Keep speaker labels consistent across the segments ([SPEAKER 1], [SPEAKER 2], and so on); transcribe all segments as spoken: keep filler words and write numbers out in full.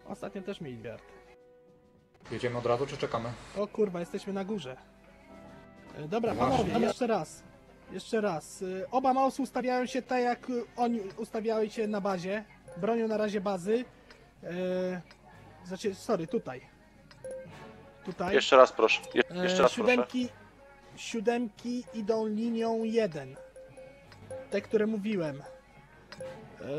[SPEAKER 1] Ostatnio też mieli wert.
[SPEAKER 2] Jedziemy od razu, czy czekamy?
[SPEAKER 1] O kurwa, jesteśmy na górze. E, Dobra, panowie, jeszcze raz. Jeszcze raz. E, Oba mausy ustawiają się tak, jak oni ustawiały się na bazie. Bronią na razie bazy. E, Znaczy, sorry, tutaj. Tutaj.
[SPEAKER 3] Jeszcze raz proszę. Je
[SPEAKER 1] E,
[SPEAKER 3] jeszcze raz proszę.
[SPEAKER 1] siódemki, siódemki idą linią jeden. Te, które mówiłem. E,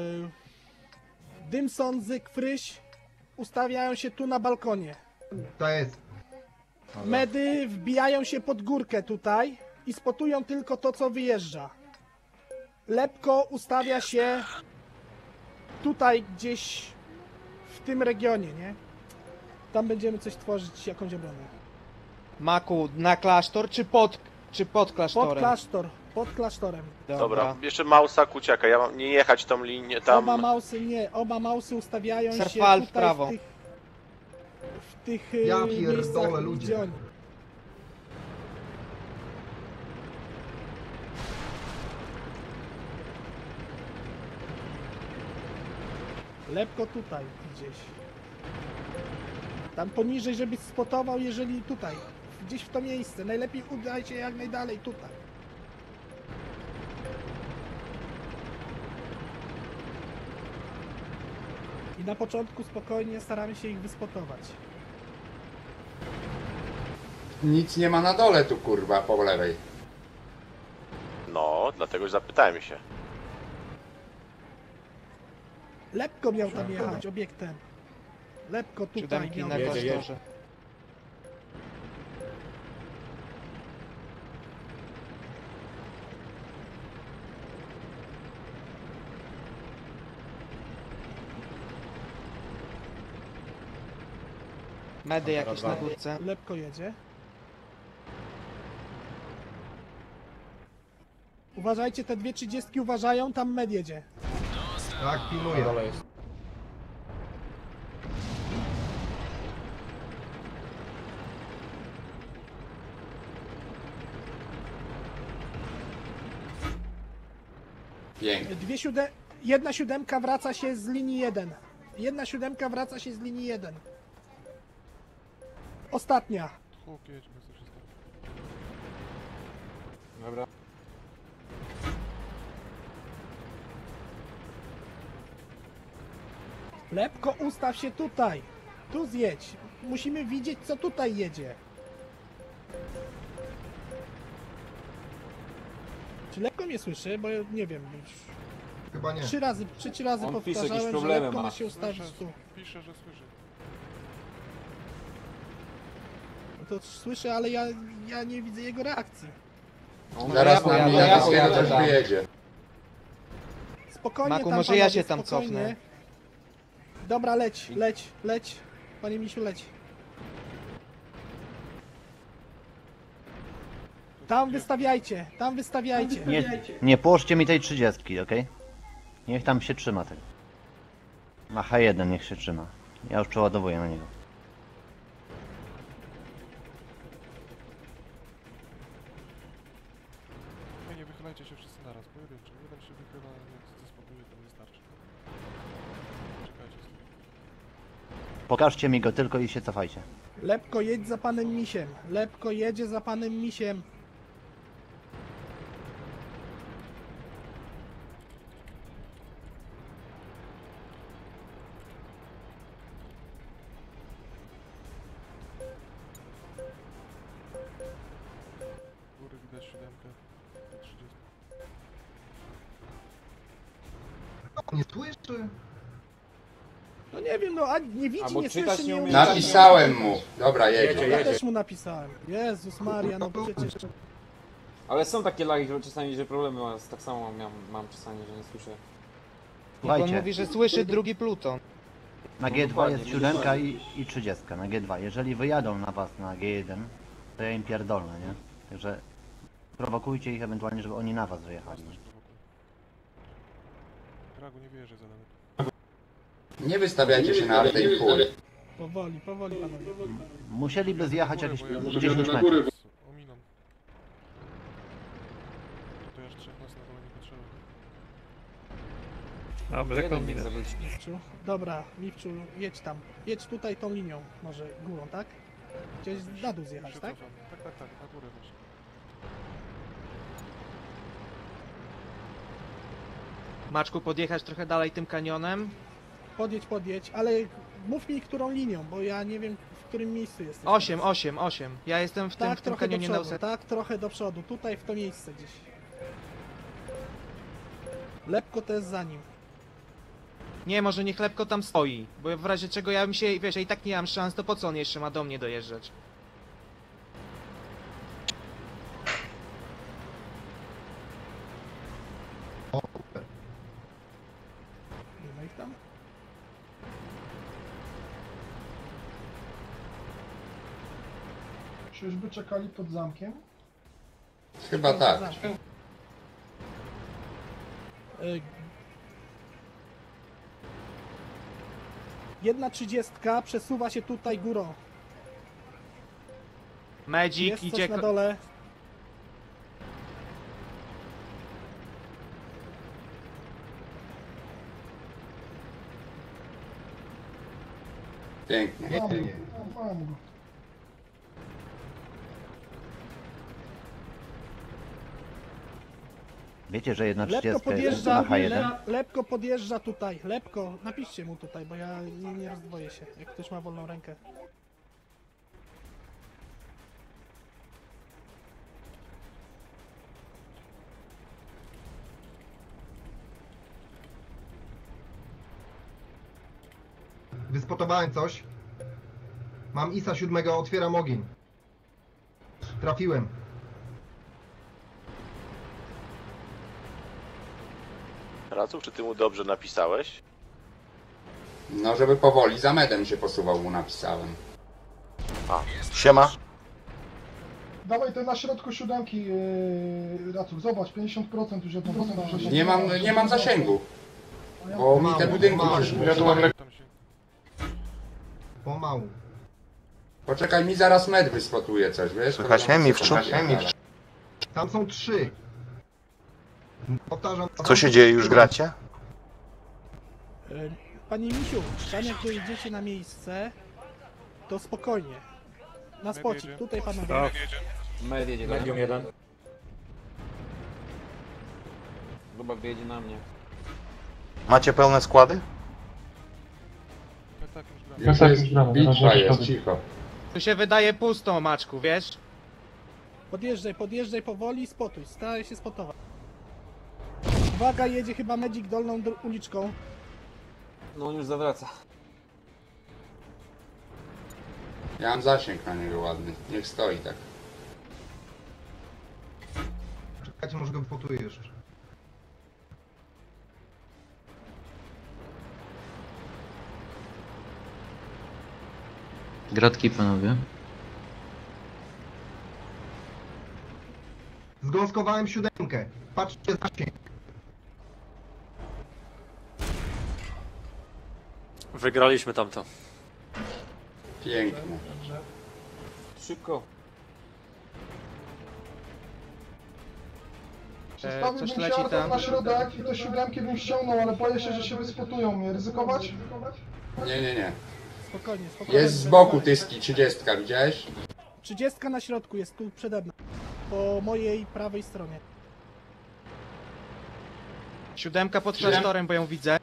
[SPEAKER 1] Dymson, Zyk, Fryś ustawiają się tu na balkonie.
[SPEAKER 4] To jest.
[SPEAKER 1] Medy wbijają się pod górkę tutaj i spotują tylko to, co wyjeżdża. Lepko ustawia się tutaj gdzieś w tym regionie, nie? Tam będziemy coś tworzyć, jakąś obronę.
[SPEAKER 5] Maku, na klasztor czy pod, czy pod klasztorem?
[SPEAKER 1] Pod klasztor, pod klasztorem.
[SPEAKER 3] Dobra, jeszcze Mausa, Kuciaka, ja mam nie jechać tą linię tam.
[SPEAKER 1] Oba mausy, nie, oba mausy ustawiają się
[SPEAKER 5] Serfal w
[SPEAKER 1] tutaj
[SPEAKER 5] prawo.
[SPEAKER 1] w tych, w tych y,
[SPEAKER 4] Ja pierdolę,
[SPEAKER 1] miejscach,
[SPEAKER 4] ludzie.
[SPEAKER 1] gdzie oni. Lepko tutaj gdzieś. Tam poniżej, żebyś spotował, jeżeli tutaj. Gdzieś w to miejsce. Najlepiej udaj się jak najdalej tutaj. I na początku spokojnie staramy się ich wyspotować.
[SPEAKER 6] Nic nie ma na dole tu, kurwa, po lewej.
[SPEAKER 3] No, dlatego zapytałem się.
[SPEAKER 1] Lepko miał tam jechać obiektem. Lepko tutaj
[SPEAKER 5] Siódemki
[SPEAKER 1] miał
[SPEAKER 5] na
[SPEAKER 1] jechać.
[SPEAKER 2] jedzie.
[SPEAKER 5] klasztorze. Medy jakieś na górce.
[SPEAKER 1] Lepko jedzie. Uważajcie, te dwie trzydziestki uważają, tam med jedzie.
[SPEAKER 4] Tak,
[SPEAKER 2] Na
[SPEAKER 4] pilnuję.
[SPEAKER 2] dole jest.
[SPEAKER 6] Pięknie.
[SPEAKER 1] Dwie siódem... Jedna siódemka wraca się z linii jeden. Jedna siódemka wraca się z linii jeden. Ostatnia.
[SPEAKER 2] Dobra.
[SPEAKER 1] Lepko, ustaw się tutaj. Tu zjedź. Musimy widzieć, co tutaj jedzie. Czy Lepko mnie słyszy? Bo ja nie wiem. Już
[SPEAKER 4] Chyba nie.
[SPEAKER 1] trzy razy, trzeci razy
[SPEAKER 7] On pisze,
[SPEAKER 1] powtarzałem,
[SPEAKER 7] jakieś
[SPEAKER 1] że
[SPEAKER 7] problemy
[SPEAKER 1] Lepko
[SPEAKER 7] ma.
[SPEAKER 1] ma się ustawić tu.
[SPEAKER 7] Pisze, że słyszy.
[SPEAKER 1] No to słyszę, ale ja, ja nie widzę jego reakcji.
[SPEAKER 6] Zaraz
[SPEAKER 5] ja
[SPEAKER 6] nam
[SPEAKER 5] pojadę,
[SPEAKER 6] ja,
[SPEAKER 5] ja
[SPEAKER 6] ja,
[SPEAKER 5] pojadę.
[SPEAKER 6] też wyjedzie.
[SPEAKER 1] Spokojnie
[SPEAKER 5] Maku,
[SPEAKER 1] tam,
[SPEAKER 5] może ja
[SPEAKER 1] panowie,
[SPEAKER 5] się tam
[SPEAKER 1] spokojnie.
[SPEAKER 5] cofnę.
[SPEAKER 1] Dobra, leć, leć, leć. Panie misiu, leć. Tam wystawiajcie, tam wystawiajcie.
[SPEAKER 8] Nie, nie połóżcie mi tej trzydziestki, ok? Niech tam się trzyma tego. Na H jeden niech się trzyma. Ja już przeładowuję na niego.
[SPEAKER 7] Nie, nie wychylajcie się wszyscy naraz, pojedynczo. Jeden się wychyla, jak zespotuje, to wystarczy. Czekajcie z tym.
[SPEAKER 8] Pokażcie mi go tylko i się cofajcie.
[SPEAKER 1] Lepko, jedź za panem misiem. Lepko jedzie za panem misiem.
[SPEAKER 7] Góry widać siódemkę, do trzydziestu.
[SPEAKER 4] Nie słyszy?
[SPEAKER 1] No nie wiem, no a nie widzi,
[SPEAKER 7] Albo
[SPEAKER 1] nie
[SPEAKER 7] czytać
[SPEAKER 1] słyszy,
[SPEAKER 7] nie
[SPEAKER 1] nie
[SPEAKER 7] umie.
[SPEAKER 1] umie.
[SPEAKER 6] Napisałem mu. Dobra,
[SPEAKER 2] Jedzie,
[SPEAKER 6] jedzie.
[SPEAKER 1] Ja
[SPEAKER 2] jedzie.
[SPEAKER 1] też mu napisałem. Jezus Maria, no przecież...
[SPEAKER 7] Ale są takie lagi, że czasami, że problemy mam, tak samo mam, mam czasami, że nie słyszę.
[SPEAKER 5] I on
[SPEAKER 8] Słuchajcie,
[SPEAKER 5] mówi, że słyszy drugi pluton.
[SPEAKER 8] na
[SPEAKER 7] No
[SPEAKER 8] G dwa
[SPEAKER 7] dokładnie,
[SPEAKER 8] jest siódemka
[SPEAKER 7] widzisz.
[SPEAKER 8] i, i trzydziestka na G dwa. Jeżeli wyjadą na was na G jeden, to ja im pierdolę, nie? Także prowokujcie ich ewentualnie, żeby oni na was wyjechali.
[SPEAKER 7] Też prowokuję. Kragu nie wierzę za daleko.
[SPEAKER 6] Nie wystawiajcie się na artę i chuj.
[SPEAKER 1] Powoli, powoli panowie.
[SPEAKER 8] Musieliby zjechać jakieś
[SPEAKER 7] Bo ja-
[SPEAKER 8] dziesięć metrów.
[SPEAKER 7] Ominą. To ja aż trzech nas na dole nie potrzeba.
[SPEAKER 1] Miwczu. Dobra, Miwczu, jedź tam. Jedź tutaj tą linią, może górą, tak? Chciałeś na dół zjechać,
[SPEAKER 7] Się
[SPEAKER 1] tak?
[SPEAKER 7] cofam. Tak, tak, tak, na górę właśnie.
[SPEAKER 5] Maczku, podjechać trochę dalej tym kanionem.
[SPEAKER 1] Podjedź, podjedź, ale mów mi którą linią, bo ja nie wiem w którym miejscu jesteś.
[SPEAKER 5] osiem,
[SPEAKER 1] teraz.
[SPEAKER 5] osiem, osiem. Ja jestem w tym,
[SPEAKER 1] Tak,
[SPEAKER 5] w tym
[SPEAKER 1] trochę do
[SPEAKER 5] kanionie na
[SPEAKER 1] przodu,
[SPEAKER 5] ósmej.
[SPEAKER 1] tak, trochę do przodu, tutaj w to miejsce gdzieś. Lepko to jest za nim.
[SPEAKER 5] Nie, może niech Lepko tam stoi, bo w razie czego ja bym się, wiesz, ja i tak nie mam szans, to po co on jeszcze ma do mnie dojeżdżać?
[SPEAKER 4] O,
[SPEAKER 1] Nie ma ich tam?
[SPEAKER 9] Czyżby czekali pod zamkiem?
[SPEAKER 6] Chyba tak.
[SPEAKER 1] Y, Jedna trzydziestka przesuwa się tutaj górą.
[SPEAKER 5] Medzik
[SPEAKER 1] Jest
[SPEAKER 5] idzie...
[SPEAKER 1] coś na
[SPEAKER 5] ko-
[SPEAKER 1] dole.
[SPEAKER 6] Pięknie.
[SPEAKER 4] nie, nie, nie.
[SPEAKER 9] No, mam go.
[SPEAKER 8] Wiecie, że jedna
[SPEAKER 1] Lepko
[SPEAKER 8] trzydziestka jest
[SPEAKER 1] podjeżdża,
[SPEAKER 8] na H jeden?
[SPEAKER 1] lep, lepko podjeżdża tutaj. Lepko, napiszcie mu tutaj, bo ja nie, nie rozdwoję się, jak ktoś ma wolną rękę.
[SPEAKER 4] Wyspotowałem coś. Mam Isa siódmego, otwieram ogień. Trafiłem.
[SPEAKER 3] Raców, czy ty mu dobrze napisałeś?
[SPEAKER 6] No, żeby powoli za medem się posuwał, mu napisałem.
[SPEAKER 3] A, siema.
[SPEAKER 9] Dawaj te na środku siódemki, yy, Raców, zobacz, pięćdziesiąt procent już jedną dostałem.
[SPEAKER 6] Nie mam, nie mam zasięgu, bo mi te budynki
[SPEAKER 4] Mało,
[SPEAKER 6] się
[SPEAKER 4] mało.
[SPEAKER 7] Tam się...
[SPEAKER 4] Pomału.
[SPEAKER 6] Poczekaj, mi zaraz med wyspotuje coś, wiesz?
[SPEAKER 3] Słychać mnie, Miwczu?
[SPEAKER 4] Tam są trzy. Powtarzam.
[SPEAKER 3] Co się dzieje, już gracie?
[SPEAKER 1] Y, Panie Misiu, tam jak dojedziecie na miejsce, to spokojnie. Na spocik,
[SPEAKER 7] jedzie.
[SPEAKER 1] tutaj panowie.
[SPEAKER 2] Med jedzie Medium jeden.
[SPEAKER 10] Chyba wyjedzie na mnie.
[SPEAKER 3] Macie pełne składy?
[SPEAKER 7] Tak, tak, już gramy.
[SPEAKER 6] Już jest, bitwa jest, cicho.
[SPEAKER 5] Tu się wydaje pusto, Maczku, wiesz?
[SPEAKER 1] Podjeżdżaj, podjeżdżaj powoli, spotuj, staraj się spotować. Uwaga, jedzie chyba Medzik dolną dr- uliczką.
[SPEAKER 10] No on już zawraca.
[SPEAKER 6] Ja mam zasięg na niego ładny, niech stoi tak.
[SPEAKER 4] Czekajcie, może go wypotuję jeszcze.
[SPEAKER 10] Gratki panowie.
[SPEAKER 4] Zgąskowałem siódemkę. Patrzcie zasięg.
[SPEAKER 3] Wygraliśmy tamto.
[SPEAKER 6] Pięknie.
[SPEAKER 10] Szybko.
[SPEAKER 9] Przestawiłbym
[SPEAKER 5] coś
[SPEAKER 9] się
[SPEAKER 5] leci
[SPEAKER 9] Artur
[SPEAKER 5] tam.
[SPEAKER 9] na środek i te siódemki bym ściągnął, ale boję się, że się wyspotują mnie. Ryzykować?
[SPEAKER 6] Nie, nie, nie.
[SPEAKER 1] Spokojnie, spokojnie.
[SPEAKER 6] Jest z boku tyski, trzydziestka, widziałeś?
[SPEAKER 1] Trzydziestka na środku jest tu przede mną. Po mojej prawej stronie.
[SPEAKER 5] Siódemka pod
[SPEAKER 6] Siedem.
[SPEAKER 5] klasztorem, bo ją widzę.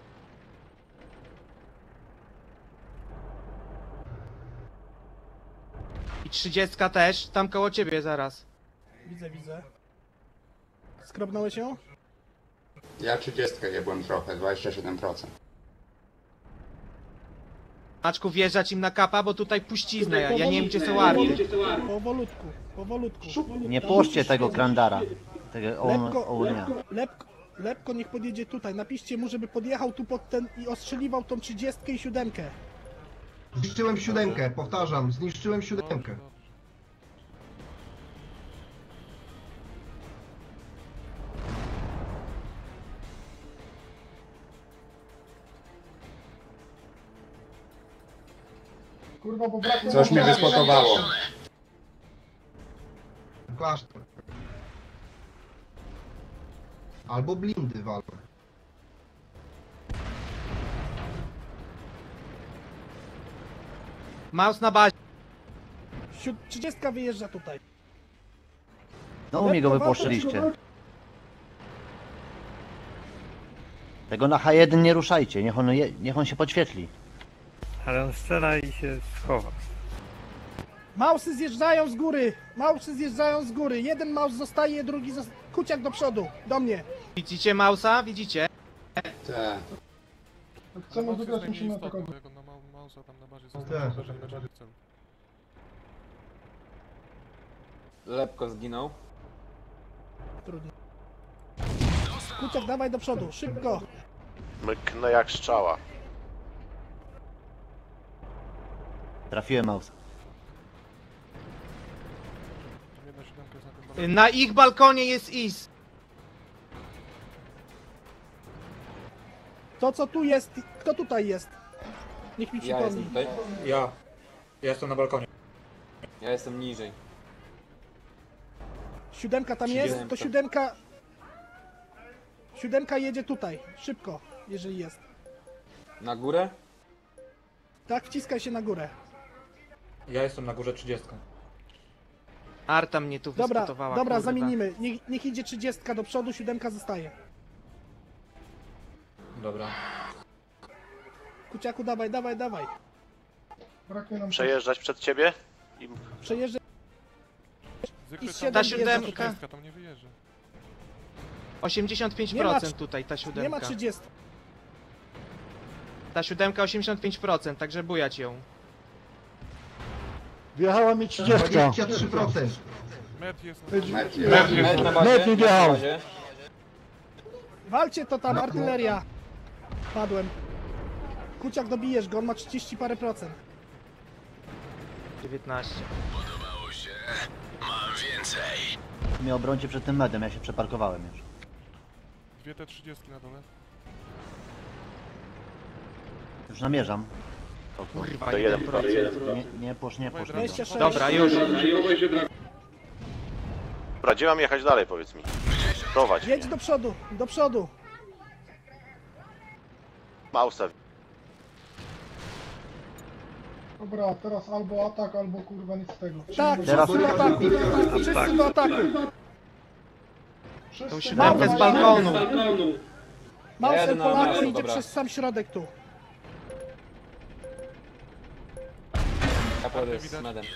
[SPEAKER 5] I trzydziestka też, tam koło ciebie zaraz.
[SPEAKER 1] Widzę, widzę. Skrobnąłeś ją?
[SPEAKER 6] Ja trzydziestkę je byłem trochę, dwadzieścia siedem procent.
[SPEAKER 5] Maczku, wjeżdżać im na kapa, bo tutaj puścizna, ja, ja nie wiem gdzie są
[SPEAKER 1] Powolutku,
[SPEAKER 5] arty.
[SPEAKER 1] powolutku, powolutku.
[SPEAKER 8] Nie puszczcie tego Grandara, tego
[SPEAKER 1] Lepko,
[SPEAKER 8] Ounia.
[SPEAKER 1] lepko, lepko, lepko niech podjedzie tutaj. Napiszcie mu, żeby podjechał tu pod ten i ostrzeliwał tą trzydziestkę i siódemkę.
[SPEAKER 4] Zniszczyłem siódemkę, powtarzam, zniszczyłem siódemkę.
[SPEAKER 9] Kurwa, bo brakuje...
[SPEAKER 6] Coś mnie wyspotowało.
[SPEAKER 4] Klasztor. Albo blindy walą.
[SPEAKER 5] Maus na bazie.
[SPEAKER 1] Siód... trzydziestka wyjeżdża tutaj.
[SPEAKER 8] No mi go wypłoszyliście. Tego na H jeden nie ruszajcie, niech on, je, niech on się podświetli.
[SPEAKER 11] Ale on strzela i się schowa.
[SPEAKER 1] Mausy zjeżdżają z góry! Mausy zjeżdżają z góry! Jeden maus zostaje, drugi zostaje. Kuciak do przodu, do mnie!
[SPEAKER 5] Widzicie Mausa? Widzicie?
[SPEAKER 6] Tak.
[SPEAKER 9] Jak chcemy wygrać, musimy atakować.
[SPEAKER 7] Jak on na ma- mausa tam na bazie
[SPEAKER 4] Tak.
[SPEAKER 7] został, uderzenie na bazie w celu.
[SPEAKER 10] Lepko zginął.
[SPEAKER 1] Trudno. Kuciak, dawaj do przodu, szybko!
[SPEAKER 3] Myknę jak strzała.
[SPEAKER 8] Trafiłem Mausa.
[SPEAKER 7] Tam jedna siódemka jest na tym balkonie.
[SPEAKER 5] Na ich balkonie jest Is.
[SPEAKER 1] To co tu jest, kto tutaj jest? Niech mi
[SPEAKER 10] Ja
[SPEAKER 1] przypomni.
[SPEAKER 10] jestem tutaj.
[SPEAKER 2] Ja. Ja jestem na balkonie.
[SPEAKER 10] Ja jestem niżej.
[SPEAKER 1] Siódemka tam jest, to
[SPEAKER 10] Siódemka.
[SPEAKER 1] siódemka... Siódemka jedzie tutaj, szybko, jeżeli jest.
[SPEAKER 10] Na górę?
[SPEAKER 1] Tak, wciskaj się na górę.
[SPEAKER 2] Ja jestem na górze trzydziestką.
[SPEAKER 5] Arta mnie tu
[SPEAKER 1] Dobra,
[SPEAKER 5] wyspotowała.
[SPEAKER 1] dobra,
[SPEAKER 5] kurwa.
[SPEAKER 1] zamienimy. Niech, niech idzie trzydziestka do przodu, siódemka zostaje.
[SPEAKER 2] Dobra.
[SPEAKER 1] Kuciaku, dawaj, dawaj, dawaj.
[SPEAKER 9] Brakuje nam...
[SPEAKER 3] Przejeżdżać przed ciebie? I
[SPEAKER 1] Przejeżdżaj.
[SPEAKER 7] Zwykle
[SPEAKER 1] I
[SPEAKER 7] tam
[SPEAKER 1] siedem
[SPEAKER 5] Ta
[SPEAKER 1] wjeżdża
[SPEAKER 5] siódemka.
[SPEAKER 1] tutaj.
[SPEAKER 7] trzydziestka tam nie wyjeżdża.
[SPEAKER 5] osiemdziesiąt pięć
[SPEAKER 1] Nie ma
[SPEAKER 5] procent
[SPEAKER 1] trz-
[SPEAKER 5] tutaj ta
[SPEAKER 1] Nie ma
[SPEAKER 5] siódemka.
[SPEAKER 1] trzydziestki.
[SPEAKER 5] Ta siódemka osiemdziesiąt pięć procent, także bujać ją.
[SPEAKER 4] Wjechała mi trzydzieści trzy procent.
[SPEAKER 7] Med jest na
[SPEAKER 6] Met
[SPEAKER 10] Med na bazie. Med na bazie.
[SPEAKER 1] Walcie to tam, artyleria. Padłem. Kuciak, dobijesz go, on ma trzydzieści parę procent.
[SPEAKER 5] dziewiętnaście.
[SPEAKER 8] Mnie obrońcie przed tym medem, ja się przeparkowałem już.
[SPEAKER 7] dwie te trzydziestki na dole.
[SPEAKER 8] Już namierzam.
[SPEAKER 5] Kurwa,
[SPEAKER 3] To
[SPEAKER 5] jeden
[SPEAKER 3] jeden,
[SPEAKER 5] procent.
[SPEAKER 8] Nie, nie posz, nie posz.
[SPEAKER 1] dwadzieścia sześć.
[SPEAKER 5] Dobra, już.
[SPEAKER 3] Dobra, gdzie mam jechać dalej, powiedz mi? Prowadź
[SPEAKER 1] Jedź
[SPEAKER 3] mnie.
[SPEAKER 1] do przodu, do przodu.
[SPEAKER 3] Mausa.
[SPEAKER 9] Dobra, teraz albo atak, albo kurwa nic z tego.
[SPEAKER 1] Tak,
[SPEAKER 8] Teraz-
[SPEAKER 1] wszyscy do ataku. Wszyscy do ataku.
[SPEAKER 9] Wszyscy
[SPEAKER 5] Tą siódemkę z
[SPEAKER 9] dawaj,
[SPEAKER 5] balkonu.
[SPEAKER 1] Mausem
[SPEAKER 10] Jadę na
[SPEAKER 1] Polacy
[SPEAKER 10] miasto,
[SPEAKER 1] idzie
[SPEAKER 10] dobra.
[SPEAKER 1] przez sam środek tu.
[SPEAKER 10] Ja pojadę z medem.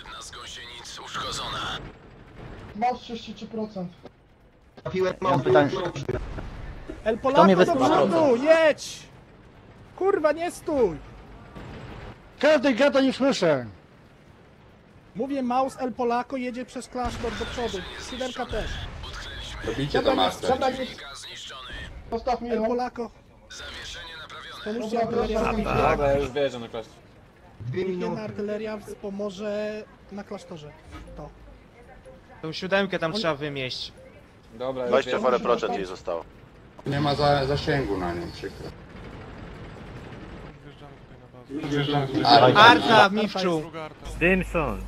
[SPEAKER 9] Maus trzydzieści trzy procent.
[SPEAKER 4] Trafiłem
[SPEAKER 8] Ja mam
[SPEAKER 4] małpę.
[SPEAKER 8] pytanie.
[SPEAKER 1] El
[SPEAKER 8] mnie
[SPEAKER 1] Polako do
[SPEAKER 8] wysłał?
[SPEAKER 1] przodu, jedź! Kurwa, nie stój!
[SPEAKER 9] Każdy gada nie słyszę.
[SPEAKER 1] Mówię, Maus El Polako jedzie przez klasztor do przodu. Siódemka też.
[SPEAKER 6] Robicie to master.
[SPEAKER 1] Dobra, nie...
[SPEAKER 9] Postaw mi
[SPEAKER 1] El
[SPEAKER 9] ją.
[SPEAKER 1] Polako. Pomóżcie
[SPEAKER 9] Dobra,
[SPEAKER 1] artyleria.
[SPEAKER 9] dobra.
[SPEAKER 10] Dobra, ja już wjeżdżam na klasztor.
[SPEAKER 4] Dwie
[SPEAKER 1] Jedna
[SPEAKER 4] minuty.
[SPEAKER 1] artyleria pomoże na klasztorze. To.
[SPEAKER 5] Tą siódemkę tam trzeba wymieść.
[SPEAKER 10] Dobra, już
[SPEAKER 3] dwadzieścia
[SPEAKER 10] wjeżdżam.
[SPEAKER 3] parę procent jej zostało.
[SPEAKER 6] Nie ma za, zasięgu na nią, przykro.
[SPEAKER 7] Wjeżdżamy tutaj na bazę.
[SPEAKER 6] Ale
[SPEAKER 5] Arta w Miwczu.
[SPEAKER 7] Druga arta.
[SPEAKER 11] Dimson!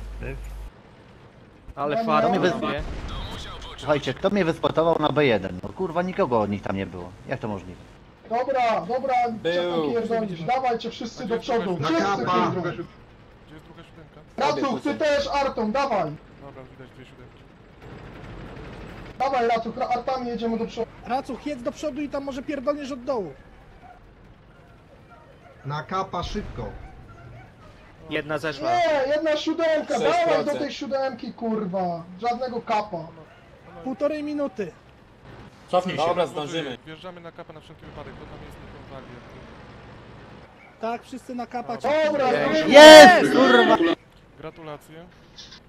[SPEAKER 5] Ale farta
[SPEAKER 8] mnie wy-
[SPEAKER 5] robię.
[SPEAKER 8] Słuchajcie, kto mnie wyspotował na B jeden? No kurwa, nikogo od nich tam nie było. Jak to możliwe?
[SPEAKER 9] Dobra, dobra,
[SPEAKER 10] Był.
[SPEAKER 9] czekaj, pierdolisz. Dawajcie wszyscy do przodu.
[SPEAKER 4] Na
[SPEAKER 9] Wszyscy,
[SPEAKER 4] kapa.
[SPEAKER 9] kurwa.
[SPEAKER 7] Gdzie jest druga siódemka?
[SPEAKER 9] Racuch, ty też Artą, dawaj.
[SPEAKER 7] Dobra, widać dwie siódemki.
[SPEAKER 9] Dawaj Racuch, ra- Artami jedziemy do przodu.
[SPEAKER 1] Racuch, jedź do przodu i tam może pierdolniesz od dołu.
[SPEAKER 4] Na kapa szybko.
[SPEAKER 5] Jedna zeszła.
[SPEAKER 9] Nie, jedna siódemka,
[SPEAKER 10] sześć
[SPEAKER 9] dawaj do
[SPEAKER 10] procent.
[SPEAKER 9] tej siódemki, kurwa. Żadnego kapa.
[SPEAKER 1] Półtorej minuty.
[SPEAKER 2] Cofnij się.
[SPEAKER 10] Dobra, zdążymy.
[SPEAKER 7] Wjeżdżamy na kapę na wszelki wypadek, bo tam jest nie konwali.
[SPEAKER 1] Tak, wszyscy na kapach.
[SPEAKER 9] Dobra,
[SPEAKER 5] Pięknie.
[SPEAKER 9] zrobimy.
[SPEAKER 8] Jest! Kurwa!
[SPEAKER 7] Gratulacje.